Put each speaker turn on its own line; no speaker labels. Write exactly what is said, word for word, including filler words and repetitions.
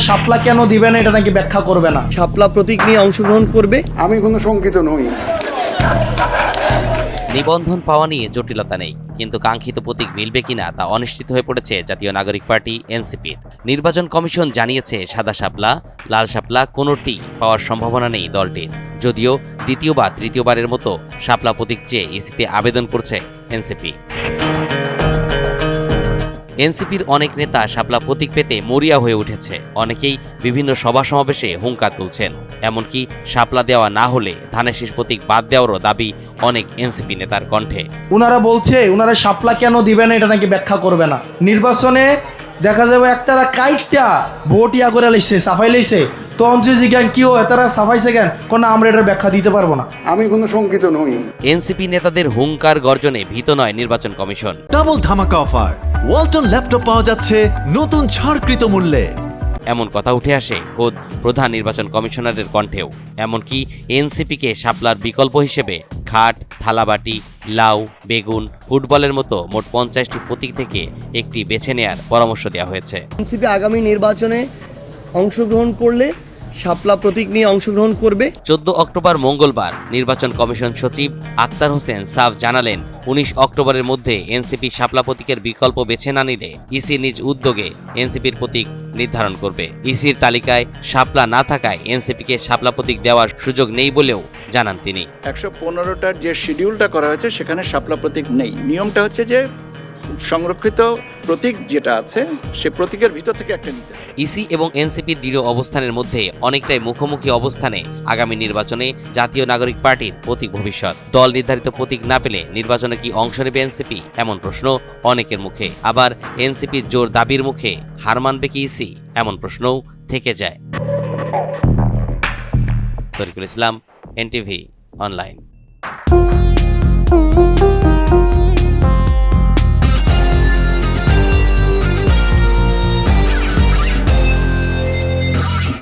শাপলা কেন দিবে না এটা নাকি ব্যাখ্যা করবে না।
শাপলা প্রতীক নিয়ে অংশগ্রহণ করবে।
আমি কোনো শঙ্কিত নই।
নিবন্ধন পাওয়া নিয়ে জটিলতা নেই, কিন্তু কাঙ্ক্ষিত প্রতীক মিলবে কিনা তা অনিশ্চিত হয়ে পড়েছে জাতীয় নাগরিক পার্টি এনসিপির। নির্বাচন কমিশন জানিয়েছে সাদা শাপলা, লাল শাপলা কোনোটি পাওয়ার সম্ভাবনা নেই দলটির। যদিও দ্বিতীয় বা তৃতীয়বারের মতো শাপলা প্রতীক চেয়ে ইসিতে আবেদন করছে এনসিপি। এনসিপির অনেক নেতা শাপলা প্রতীক পেতে মরিয়া হয়ে উঠেছে। অনেকেই বিভিন্ন সভা সমাবেশে হুঙ্কার তুলছেন। এমনকি শাপলা দেওয়া না হলে ধানের শীষ প্রতীক বাদ দেওয়ারও দাবি অনেক এনসিপি নেতার কণ্ঠে।
উনারা বলছে উনারা শাপলা কেন দিবে না এটা নাকি ব্যাখ্যা করবে না। নির্বাচনে দেখা যাবে একতারা কাইটটা ভোট ইয়া করে লাইছে, সাফাই লাইছে, তো অঞ্জলি জ্ঞান কি হয় তারা সাফাইছে কেন, কোন আমরা এটার ব্যাখ্যা দিতে পারবো না।
আমি কোনো শঙ্কিত নই।
এনসিপি নেতাদের হুঙ্কার গর্জনে ভীত নয় নির্বাচন কমিশন।
ডাবল ধামাকা অফার, ওয়ালটন ল্যাপটপ পাওয়া যাচ্ছে নতুন ছাড়কৃত মূল্যে।
এমন কথা উঠে আসে খোদ প্রধান নির্বাচন কমিশনারের কণ্ঠেও। এমনকি এনসিপিকে শাপলার বিকল্প হিসেবে খাট, থালাবাটি, লাউ, বেগুন, ফুটবলের মতো মোট পঞ্চাশটি প্রতীক থেকে একটি বেছে নেয়ার পরামর্শ দেওয়া হয়েছে।
এনসিপি আগামী নির্বাচনে অংশগ্রহণ করলে শাপলা প্রতীক নিয়ে অংশগ্রহণ করবে।
চোদ্দ অক্টোবর মঙ্গলবার নির্বাচন কমিশন সচিব আক্তার হোসেন সাফ জানালেন, উনিশ অক্টোবরের মধ্যে এনসিপি শাপলা প্রতীকের বিকল্প বেছে না নিলে ইসি নিজ উদ্যোগে এনসিপির প্রতীক নির্ধারণ করবে। ইসির তালিকায় শাপলা না থাকায় এনসিপিকে শাপলা প্রতীক দেওয়ার সুযোগ নেই বলেও জানান তিনি।
একশো পনেরোটার যে শিডিউলটা করা হয়েছে সেখানে শাপলা প্রতীক নেই। নিয়মটা হচ্ছে যে সংরক্ষিত প্রতীক যেটা আছে সে প্রতীকের ভিতর থেকে একটা নিতে।
ইসি এবং এনসিপির দৃঢ় অবস্থানের মধ্যে অনেকটাই মুখোমুখি অবস্থানে আগামী নির্বাচনে জাতীয় নাগরিক পার্টির প্রতীক ভবিষ্যৎ। দল নির্ধারিত প্রতীক না পেলে নির্বাচনে কি অংশ নেবে এনসিপি, এমন প্রশ্ন অনেকের মুখে। আবার এনসিপির জোর দাবির মুখে হার মানবে কি ইসি, এমন প্রশ্নও থেকে যায়। Tarikul Islam, NTV online.